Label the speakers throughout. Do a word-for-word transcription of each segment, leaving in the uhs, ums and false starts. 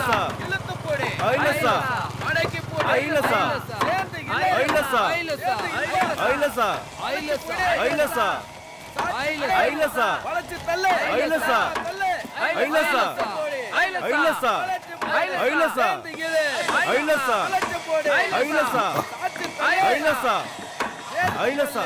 Speaker 1: ஐலசா
Speaker 2: இழுத்து போடு
Speaker 1: ஐலசா
Speaker 2: மடக்கி போடு
Speaker 1: ஐலசா
Speaker 2: சேர்ந்து
Speaker 1: ஐலசா
Speaker 2: ஐலசா
Speaker 1: ஐலசா
Speaker 2: ஐலசா
Speaker 1: ஐலசா ஐலசா
Speaker 2: வளைச்சு தள்ளு
Speaker 1: ஐலசா
Speaker 2: தள்ளு
Speaker 1: ஐலசா ஐலசா ஐலசா ஐலசா
Speaker 2: வளைச்சு போடு
Speaker 1: ஐலசா
Speaker 2: சாச்சு தள்ளு
Speaker 1: ஐலசா ஐலசா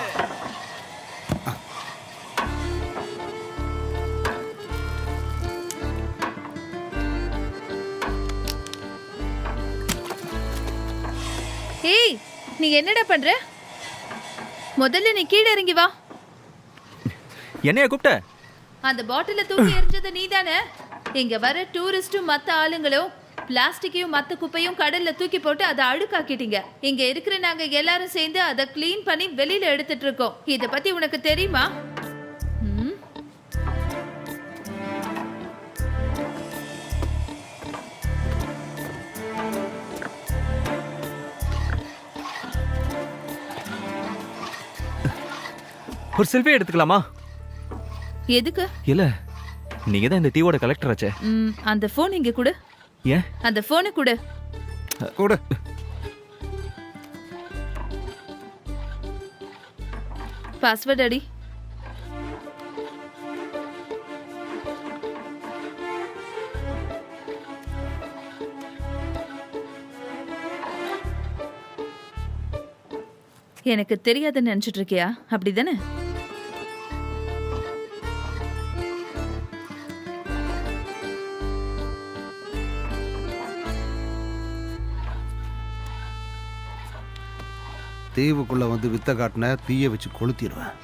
Speaker 3: ஏய் நீ என்னடா பண்ற? முதல்ல நீ கீழே இறங்கி வா.
Speaker 4: என்னைய கூப்பிட்ட?
Speaker 3: அந்த பாட்டில தூக்கி எறிஞ்சது நீதானே? இங்க வர டூரிஸ்டும் மத்த ஆளுங்களும் பிளாஸ்டிக்கையும் மத்த குப்பையும் கடல்ல தூக்கி போட்டு அதை அழுக்காக்கிட்டீங்க. இங்க இருக்கிற நாங்க எல்லாரும் சேர்ந்து அதை கிளீன் பண்ணி வெளியில எடுத்துட்டு இருக்கோம். இத பத்தி உனக்கு தெரியுமா? ம்?
Speaker 4: ஒரு செல்ஃபி எடுத்துக்கலாமா?
Speaker 3: எதுக்கு?
Speaker 4: இல்ல நீங்க தான் இந்த டீவோட கலெக்டர் ஆச்சே.
Speaker 3: ம், அந்த போன் இங்க கொடு.
Speaker 4: ஏன்?
Speaker 3: அந்த போனை கொடு.
Speaker 4: கூட
Speaker 3: பாஸ்வேர்ட் அடி. எனக்கு தெரியாதுன்னு நினைச்சிட்டு இருக்கியா? அப்படிதானே?
Speaker 5: தீவுக்குள்ள வந்து வித்த காட்டின தீய வச்சு கொளுத்திடுவேன்.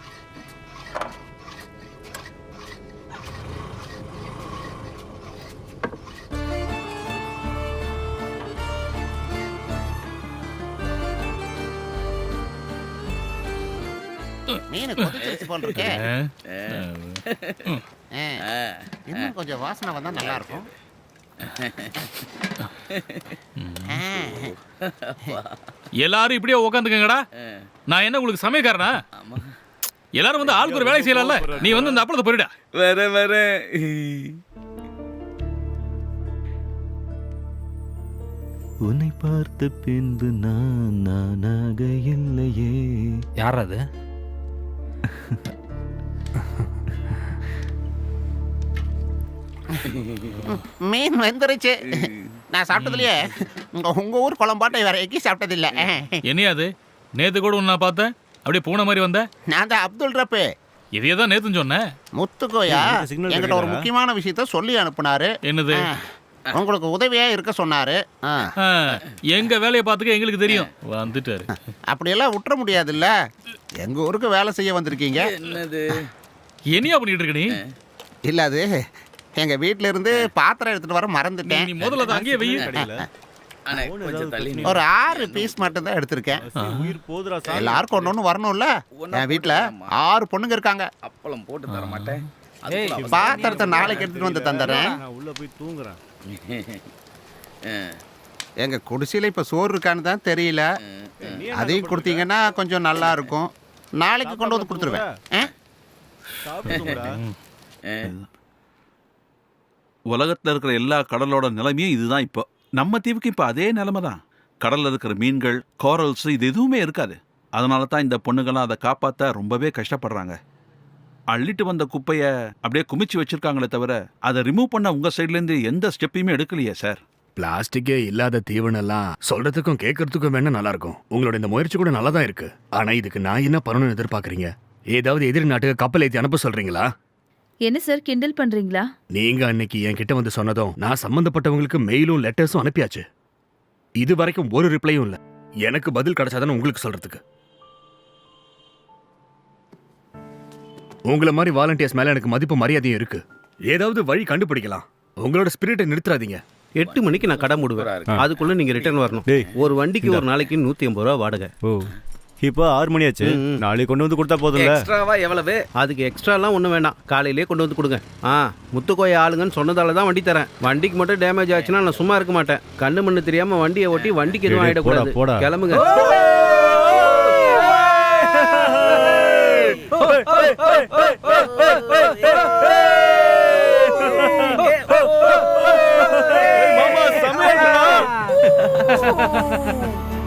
Speaker 6: மீன் கொதிச்சிருச்சு போல் இருக்கே. இன்னும் கொஞ்சம் வாசனை வந்தா நல்லா இருக்கும்.
Speaker 7: எல்லாரும் இப்படியே உட்காந்துக்கங்கடா. நான் என்ன உங்களுக்கு சமயக்காரனா? எல்லாரும் வந்து ஆளுக்கு ஒரு வேலை செய்யலாம்ல. நீ வந்து இந்த அப்பளத்தை போயிடா.
Speaker 1: வர வர
Speaker 4: உன்னை பார்த்த பின்பு நான் நானாக இல்லையே.
Speaker 8: யார் அது?
Speaker 6: மீன் வெந்துருச்சு. நான் சாப்பிட்டதுலயே உங்க ஊர் குழம்பாட்டை வேற எக்கி சாப்பிட்டது இல்ல.
Speaker 7: என்னையாது நேத்து கூட உன்னை பார்த்தேன், அப்படியே பூனை மாதிரி வந்த.
Speaker 6: நான் தான் அப்துல் ரப்பு.
Speaker 7: இதையே தான் நேத்துன்னு சொன்னேன்.
Speaker 6: முத்துக்கோயா என்கிட்ட ஒரு முக்கியமான விஷயத்த சொல்லி அனுப்புனாரு.
Speaker 7: என்னது?
Speaker 6: உங்களுக்கு உதவியா இருக்க சொன்னாரு.
Speaker 7: எங்க வேலையை பார்த்துக்க எங்களுக்கு தெரியும். வந்துட்டாரு.
Speaker 6: அப்படியெல்லாம் விட்டுற முடியாதுல்ல. எங்க ஊருக்கு வேலை செய்ய வந்திருக்கீங்க.
Speaker 2: என்னது
Speaker 7: என்னையா பண்ணிட்டு இருக்க நீ?
Speaker 6: இல்ல அது எங்க வீட்ல இருந்து பாத்திரம் எடுத்துட்டு வர மறந்துட்டேன்.
Speaker 7: நீ முதல்ல அதை அங்கேயே வெயி.
Speaker 2: அண்ணே கொஞ்சம் தள்ளி நில்லு.
Speaker 6: ஒரு ஆறு பீஸ் மட்டும் தான் எடுத்திருக்கேன்.
Speaker 1: உயிர் போதுரா சாமி.
Speaker 6: எல்லாருக்கும் ஒண்ணு ஒண்ணு வரணும்ல. என் வீட்டுல ஆறு பொண்ணுங்க இருக்காங்க.
Speaker 2: அப்பளம் போட்டு தர மாட்டேன்.
Speaker 6: பாத்திரத்தை நாளைக்கு எடுத்துட்டு வந்து தந்துடுறேன்.
Speaker 5: நான் உள்ள போய் தூங்குறேன்.
Speaker 6: எங்க குடிசையில இப்ப சோறு இருக்கான்னு தான் தெரியல. அதையும் கொடுத்தீங்கன்னா கொஞ்சம் நல்லா இருக்கும். நாளைக்கு கொண்டு வந்து கொடுத்துருவேன்.
Speaker 1: சாப்பிடுங்கடா.
Speaker 9: உலகத்தில் இருக்கிற எல்லா கடலோட நிலைமையும் இதுதான். இப்போ நம்ம தீவுக்கு இப்போ அதே நிலைமை தான். கடலில் இருக்கிற மீன்கள், கோரல்ஸ் இது எதுவுமே இருக்காது. அதனால தான் இந்த பொண்ணுங்கள்லாம் அதை காப்பாற்ற ரொம்பவே கஷ்டப்படுறாங்க. அள்ளிட்டு வந்த குப்பையை அப்படியே குமிச்சு வச்சிருக்காங்களே தவிர அதை ரிமூவ் பண்ண உங்கள் சைட்லேருந்து எந்த ஸ்டெப்பையுமே எடுக்கலையே சார்.
Speaker 8: பிளாஸ்டிக்கே இல்லாத தீவனெல்லாம் சொல்றதுக்கும் கேட்கறதுக்கும் வேணா நல்லா இருக்கும். உங்களோட இந்த முயற்சி கூட நல்லா தான் இருக்கு. ஆனா இதுக்கு நான் என்ன பண்ணணும்னு எதிர்பார்க்கறீங்க? ஏதாவது எதிரி நாட்டுக்கு கப்பல் ஏற்றி அனுப்ப சொல்றீங்களா?
Speaker 3: என்ன சார் கிண்டல் பண்றீங்களா?
Speaker 8: நீங்க அன்னைக்கு என் கிட்ட வந்து சொன்னதும் நான் சம்பந்தப்பட்டவங்களுக்கு மெயிலும் லெட்டர்ஸும் அனுப்பியாச்சு. இது வரைக்கும் ஒரு ரிப்ளையும் இல்ல. எனக்கு பதில் கிடைச்சாதானே உங்களுக்கு சொல்றதுக்கு. உங்களை மாதிரி வாலண்டியர்ஸ் மேல எனக்கு மதிப்பு மரியாதையும் இருக்கு. ஏதாவது வழி கண்டுபிடிக்கலாம். உங்களோட ஸ்பிரிட்டை நிறுத்தாதீங்க.
Speaker 10: எட்டு மணிக்கு நான் கடை மூடுவேன். அதுக்குள்ள நீங்க ரிட்டர்ன் வரணும். ஒரு வண்டிக்கு ஒரு நாளைக்கு நூத்தி ஐம்பது ரூபா வாடகை.
Speaker 4: ஓ, இப்போ ஆறு மணி ஆச்சு. நாளைக்கு கொண்டு வந்து கொடுத்தா போதும்ல.
Speaker 2: எக்ஸ்ட்ராவா எவ்வளவு?
Speaker 10: அதுக்கு எக்ஸ்ட்ராலாம் ஒன்றும் வேண்டாம். காலையிலேயே கொண்டு வந்து கொடுங்க. ஆ, முத்துக்கோய ஆளுங்கன்னு சொன்னதால தான் வண்டி தரேன். வண்டிக்கு மட்டும் டேமேஜ் ஆச்சுன்னா நான் சும்மா இருக்க மாட்டேன். கண்ணு மண்ணு தெரியாம வண்டியை ஓட்டி வண்டிக்கு எதுவும் ஆயிடக்கூடாது. கிளம்புங்க.
Speaker 1: மாமா
Speaker 3: ஓ